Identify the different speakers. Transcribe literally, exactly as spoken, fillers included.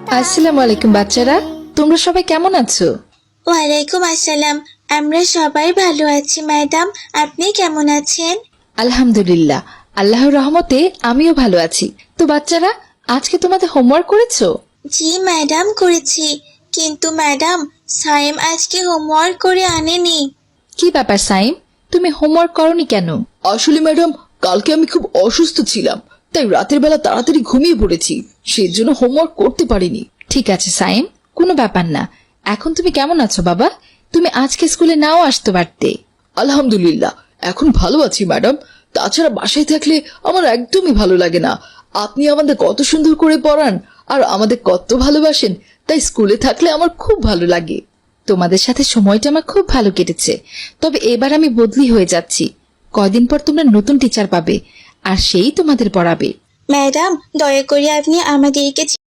Speaker 1: আসসালামু আলাইকুম বাচ্চারা, তোমরা সবাই কেমন আছো?
Speaker 2: ওয়ালাইকুম আসসালাম। আমরা সবাই ভালো আছি ম্যাডাম, আপনি কেমন আছেন?
Speaker 1: আলহামদুলিল্লাহ, আল্লাহর রহমতে আমিও ভালো আছি। তো বাচ্চারা, আজকে তোমাদের হোমওয়ার্ক করেছো?
Speaker 2: জি ম্যাডাম, করেছি। কিন্তু ম্যাডাম, সাইম আজকে হোমওয়ার্ক করে আনেনি।
Speaker 1: কি ব্যাপার সাইম, তুমি হোমওয়ার্ক করনি কেন?
Speaker 3: আসলে ম্যাডাম, কালকে আমি খুব অসুস্থ ছিলাম, তাই রাতের বেলা তাড়াতাড়ি ঘুমিয়ে পড়েছি, সেজন্য হোমওয়ার্ক করতে পারিনি।
Speaker 1: ঠিক আছে সাইম, কোনো ব্যাপার না। এখন তুমি কেমন আছো বাবা? তুমি আজকে স্কুলে নাও আসতে পারতে।
Speaker 3: আলহামদুলিল্লাহ, এখন ভালো আছি ম্যাডাম। তাছাড়া বাসায় থাকলে আমার একদমই ভালো লাগে না। আপনি আমাদের কত সুন্দর করে পড়ান আর আমাদের কত ভালোবাসেন, তাই স্কুলে থাকলে আমার খুব ভালো লাগে।
Speaker 1: তোমাদের সাথে সময়টা আমার খুব ভালো কেটেছে, তবে এবার আমি বদলি হয়ে যাচ্ছি। কয়দিন পর তোমরা নতুন টিচার পাবে, আর সেই তোমাদের পড়াবে।
Speaker 2: ম্যাডাম, দয়া করে আপনি আমাদেরকে